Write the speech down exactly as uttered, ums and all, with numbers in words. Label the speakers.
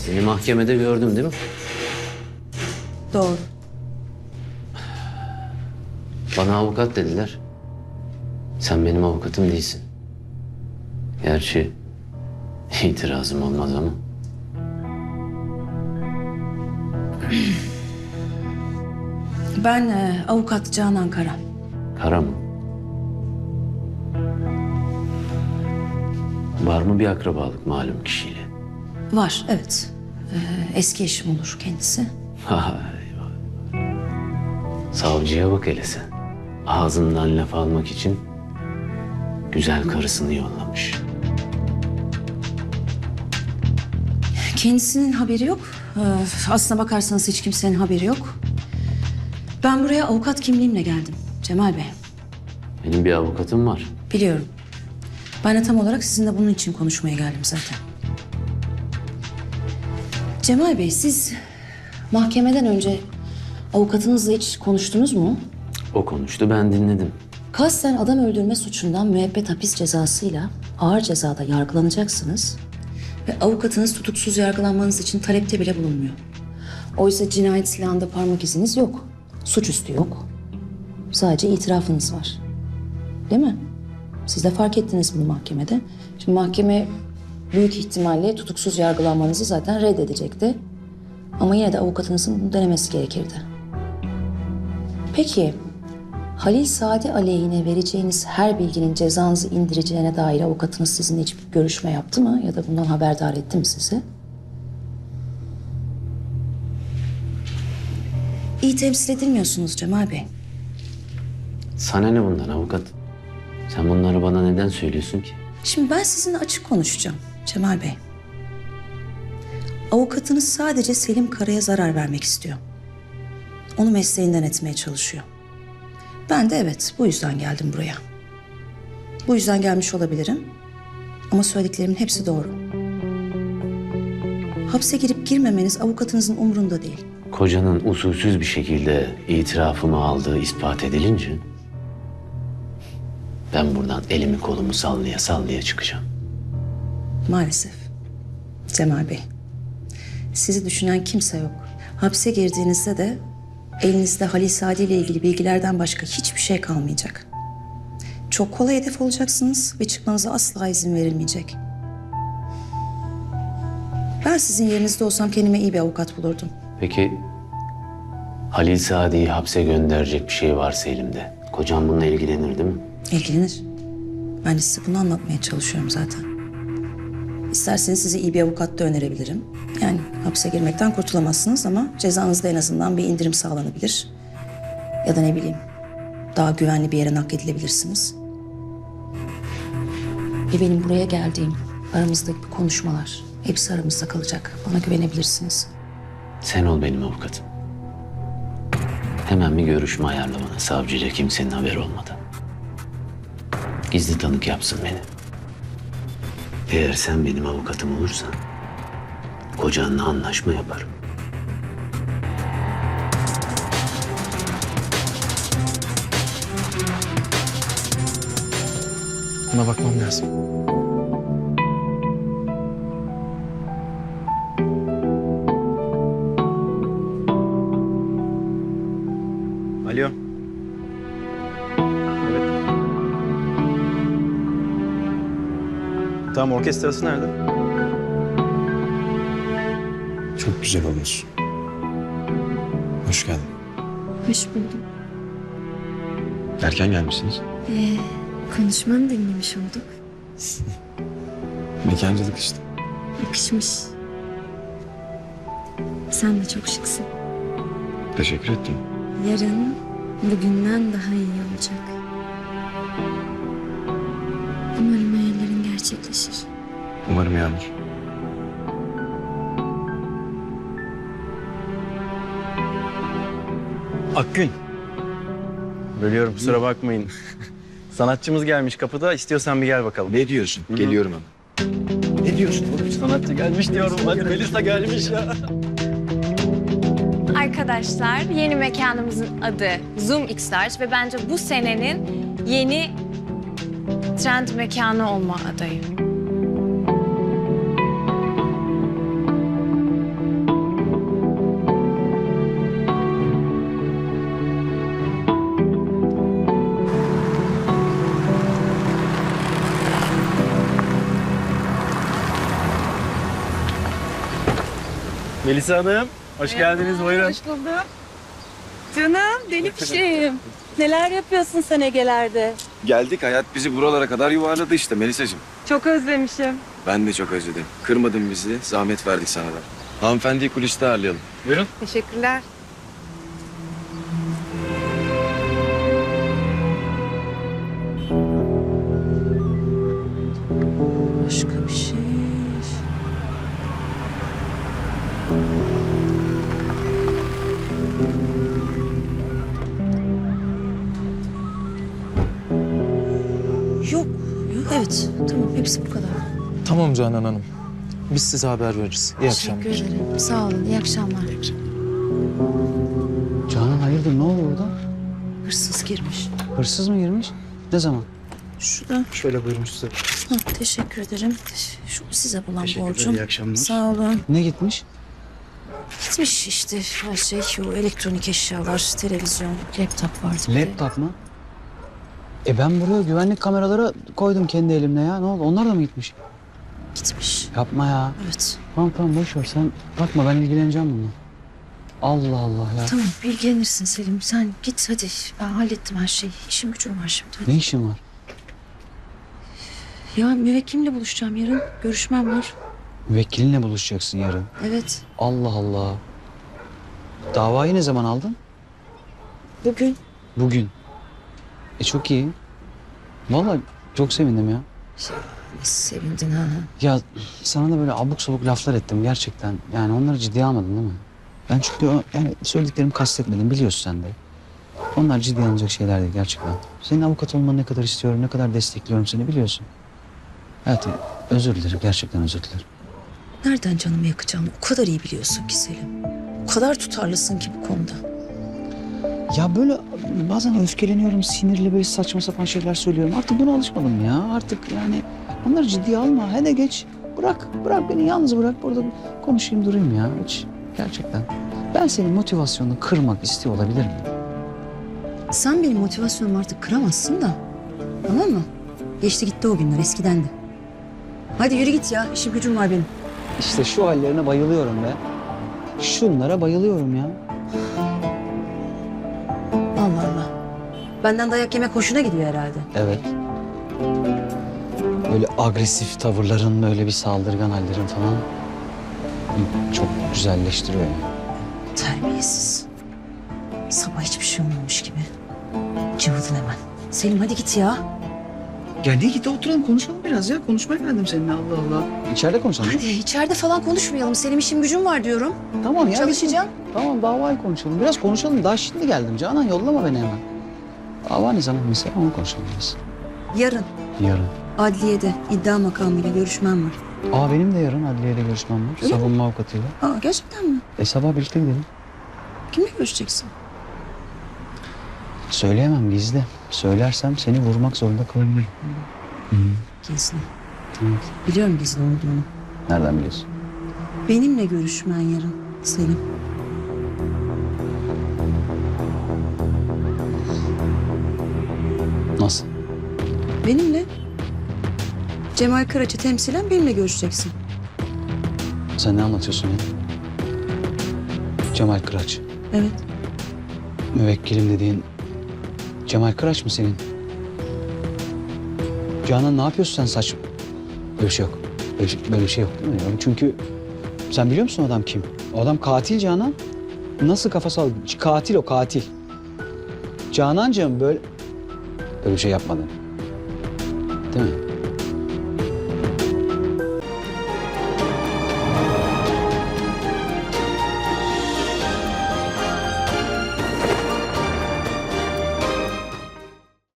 Speaker 1: Seni mahkemede gördüm değil mi?
Speaker 2: Doğru.
Speaker 1: Bana avukat dediler. Sen benim avukatım değilsin. Gerçi itirazım olmaz ama.
Speaker 2: Ben e, avukat Canan Kara.
Speaker 1: Kara mı? Var mı bir akrabalık malum kişiyle?
Speaker 2: Var, evet. Ee, eski eşim olur kendisi.
Speaker 1: Vay vay. Savcıya bak hele sen. Ağzından laf almak için güzel karısını yollamış.
Speaker 2: Kendisinin haberi yok. Ee, aslına bakarsanız hiç kimsenin haberi yok. Ben buraya avukat kimliğimle geldim Cemal Bey.
Speaker 1: Benim bir avukatım var.
Speaker 2: Biliyorum. Ben de tam olarak sizinle bunun için konuşmaya geldim zaten. Cemal Bey, siz mahkemeden önce avukatınızla hiç konuştunuz mu?
Speaker 1: O konuştu, ben dinledim.
Speaker 2: Kasten adam öldürme suçundan müebbet hapis cezasıyla ağır cezada yargılanacaksınız. Ve avukatınız tutuksuz yargılanmanız için talepte bile bulunmuyor. Oysa cinayet silahında parmak iziniz yok. Suçüstü yok. Sadece itirafınız var. Değil mi? Siz de fark ettiniz bunu mahkemede. Şimdi mahkeme büyük ihtimalle tutuksuz yargılanmanızı zaten reddedecekti. Ama yine de avukatınızın bunu denemesi gerekirdi. Peki, Halil Sadi aleyhine vereceğiniz her bilginin cezanızı indireceğine dair avukatınız sizinle hiçbir görüşme yaptı mı? Ya da bundan haberdar etti mi sizi? İyi temsil edilmiyorsunuz Cemal Bey.
Speaker 1: Sana ne bundan avukat? Sen bunları bana neden söylüyorsun ki?
Speaker 2: Şimdi ben sizinle açık konuşacağım Cemal Bey. Avukatınız sadece Selim Kara'ya zarar vermek istiyor. Onu mesleğinden etmeye çalışıyor. Ben de evet, bu yüzden geldim buraya. Bu yüzden gelmiş olabilirim. Ama söylediklerimin hepsi doğru. Hapse girip girmemeniz avukatınızın umurunda değil.
Speaker 1: Kocanın usulsüz bir şekilde itirafımı aldığı ispat edilince... ben buradan elimi kolumu sallaya sallaya çıkacağım.
Speaker 2: Maalesef. Cemal Bey, sizi düşünen kimse yok. Hapse girdiğinizde de elinizde Halil Sadi ile ilgili bilgilerden başka hiçbir şey kalmayacak. Çok kolay hedef olacaksınız ve çıkmanıza asla izin verilmeyecek. Ben sizin yerinizde olsam kendime iyi bir avukat bulurdum.
Speaker 1: Peki Halil Sadi'yi hapse gönderecek bir şey varsa elimde, kocam bununla ilgilenir değil mi?
Speaker 2: İlgilenir. Ben de size bunu anlatmaya çalışıyorum zaten. İsterseniz size iyi bir avukat da önerebilirim. Yani hapse girmekten kurtulamazsınız ama cezanızda en azından bir indirim sağlanabilir. Ya da ne bileyim, daha güvenli bir yere nakledilebilirsiniz. Ve benim buraya geldiğim, aramızdaki bu konuşmalar hepsi aramızda kalacak. Bana güvenebilirsiniz.
Speaker 1: Sen ol benim avukatım. Hemen bir görüşme ayarla bana, savcıyla kimsenin haberi olmadan. Gizli tanık yapsın beni. Eğer sen benim avukatım olursan kocanla anlaşma yaparım.
Speaker 3: Buna bakmam lazım. Alo. Evet. Tamam, orkestrası nerede?
Speaker 4: Çok güzel olmuş. Hoş geldin.
Speaker 5: Hoş buldum.
Speaker 4: Erken gelmişsiniz.
Speaker 5: Ee, konuşmanı dinlemiş olduk.
Speaker 4: Mekancılık işte.
Speaker 5: Yakışmış. Sen de çok şıksın.
Speaker 4: Teşekkür ettim.
Speaker 5: Yarın bugünden daha iyi olacak. Umarım hayallerin gerçekleşir.
Speaker 4: Umarım Yağmur.
Speaker 3: Akgün. Bölüyorum, kusura bakmayın. Sanatçımız gelmiş kapıda. İstiyorsan bir gel bakalım.
Speaker 4: Ne diyorsun?
Speaker 3: Hı.
Speaker 4: Geliyorum hemen. Ne diyorsun oğlum?
Speaker 3: Sanatçı gelmiş diyorum. Hadi Melisa gelmiş ya.
Speaker 6: Arkadaşlar, yeni mekanımızın adı Zoom X Large ve bence bu senenin yeni trend mekanı olma adayı.
Speaker 3: Melisa Hanım, hoş geldiniz. Buyurun.
Speaker 7: Hoş bulduk. Canım, deli fişeğim. Neler yapıyorsun sen Ege'lerde?
Speaker 4: Geldik, hayat bizi buralara kadar yuvarladı işte Melisa'cığım.
Speaker 7: Çok özlemişim.
Speaker 4: Ben de çok özledim. Kırmadın bizi, zahmet verdik sana da. Hanımefendiyi kuliste ağırlayalım.
Speaker 3: Buyurun.
Speaker 7: Teşekkürler.
Speaker 2: Başka bir şey. Yok, yok. Evet, tamam. Hepsi bu kadar.
Speaker 8: Tamam Canan Hanım. Biz size haber veririz. İyi akşamlar.
Speaker 5: Teşekkür ederim. Sağ olun. İyi akşamlar.
Speaker 9: Canan hayırdır ne oluyor burada?
Speaker 2: Hırsız girmiş.
Speaker 9: Hırsız mı girmiş? Ne zaman?
Speaker 2: Şurada.
Speaker 3: Şöyle buyurun size.
Speaker 2: Ha, teşekkür ederim. Şu size bulan
Speaker 3: Teşekkürler,
Speaker 2: borcum.
Speaker 3: iyi akşamlar.
Speaker 2: Sağ olun.
Speaker 9: Ne gitmiş?
Speaker 2: Gitmiş işte her şey. O elektronik eşyalar, televizyon, laptop vardı. bir de.
Speaker 9: Laptop mu? E ben buraya güvenlik kameraları koydum kendi elimle ya. Ne oldu? Onlar da mı gitmiş?
Speaker 2: Gitmiş.
Speaker 9: Yapma ya.
Speaker 2: Evet.
Speaker 9: Tamam tamam boş ver sen. Bakma ben ilgileneceğim bununla. Allah Allah ya.
Speaker 2: Tamam bilgilenirsin Selim. Sen git hadi. Ben hallettim her şeyi. İşim gücüm var şimdi. Hadi.
Speaker 9: Ne işin var?
Speaker 2: Ya müvekkilimle buluşacağım yarın. Görüşmem var.
Speaker 9: Müvekkilinle buluşacaksın yarın.
Speaker 2: Evet.
Speaker 9: Allah Allah. Davayı ne zaman aldın?
Speaker 2: Bugün.
Speaker 9: Bugün. E çok iyi. Vallahi çok sevindim ya.
Speaker 2: Sevindin ha.
Speaker 9: Ya sana da böyle abuk sabuk laflar ettim gerçekten. Yani onları ciddiye almadın değil mi? Ben çünkü o, yani söylediklerimi kastetmedim biliyorsun sen de. Onlar ciddiye alınacak şeyler değil gerçekten. Senin avukat olmanı ne kadar istiyorum, ne kadar destekliyorum seni biliyorsun. Hayatım özür dilerim, gerçekten özür dilerim.
Speaker 2: Nereden canımı yakacağını o kadar iyi biliyorsun ki Selim. O kadar tutarlısın ki bu konuda.
Speaker 9: Ya böyle bazen öfkeleniyorum, sinirli böyle saçma sapan şeyler söylüyorum. Artık buna alışmadım ya. Artık yani onları ciddiye alma. Hele geç. Bırak, bırak beni yalnız bırak. Burada konuşayım durayım ya. Hiç gerçekten. Ben senin motivasyonunu kırmak istiyor olabilir miyim?
Speaker 2: Sen benim motivasyonumu artık kıramazsın da. Tamam mı? Geçti gitti o günler eskidendi. Hadi yürü git ya. İşim gücüm var benim.
Speaker 9: İşte şu hallerine bayılıyorum be. Şunlara bayılıyorum ya.
Speaker 2: Allah Allah. Benden dayak yemek hoşuna gidiyor herhalde.
Speaker 9: Evet. Böyle agresif tavırların, böyle bir saldırgan hallerin falan çok güzelleştiriyor yani.
Speaker 2: Terbiyesiz. Sabah hiçbir şey olmamış gibi. Cıvıdın hemen. Selim hadi git ya.
Speaker 9: Gel git oturalım konuşalım biraz ya. Konuşmaya geldim seninle Allah Allah. İçeride konuşalım.
Speaker 2: Hadi içeride falan konuşmayalım. Selim işim gücüm var diyorum.
Speaker 9: Tamam ya.
Speaker 2: Çalışacağım.
Speaker 9: biz- Tamam davayı konuşalım. Biraz konuşalım. Daha şimdi geldim. Canan yollama beni hemen. Dava ne zaman mesela onu konuşalım biraz.
Speaker 2: Yarın
Speaker 9: Yarın.
Speaker 2: adliyede iddia makamıyla görüşmem var.
Speaker 9: Aa benim de yarın adliyede görüşmem var.
Speaker 2: Öyle mi?
Speaker 9: Savunma avukatıyla.
Speaker 2: Aa gerçekten mi?
Speaker 9: E sabah birlikte gidelim.
Speaker 2: Kimle görüşeceksin?
Speaker 9: Söyleyemem gizli. Söylersem seni vurmak zorunda kalabilirim. Hı.
Speaker 2: Gizli.
Speaker 9: Evet.
Speaker 2: Biliyorum gizli olduğunu.
Speaker 9: Nereden biliyorsun?
Speaker 2: Benimle görüşmen yarın Selim.
Speaker 9: Nasıl?
Speaker 2: Benimle. Cemal Karaç'ı temsilen benimle görüşeceksin.
Speaker 9: Sen ne anlatıyorsun ya? Cemal Kıraç.
Speaker 2: Evet.
Speaker 9: Müvekkilim dediğin Cemal Kıraç mı senin? Canan ne yapıyorsun sen saçma? Böyle bir şey yok. Böyle, bir- böyle bir şey yok değil mi? Yani çünkü sen biliyor musun o adam kim? O adam katil Canan. Nasıl kafası al? Katil o katil. Canancığım böyle... Böyle bir şey yapmadın. Değil mi?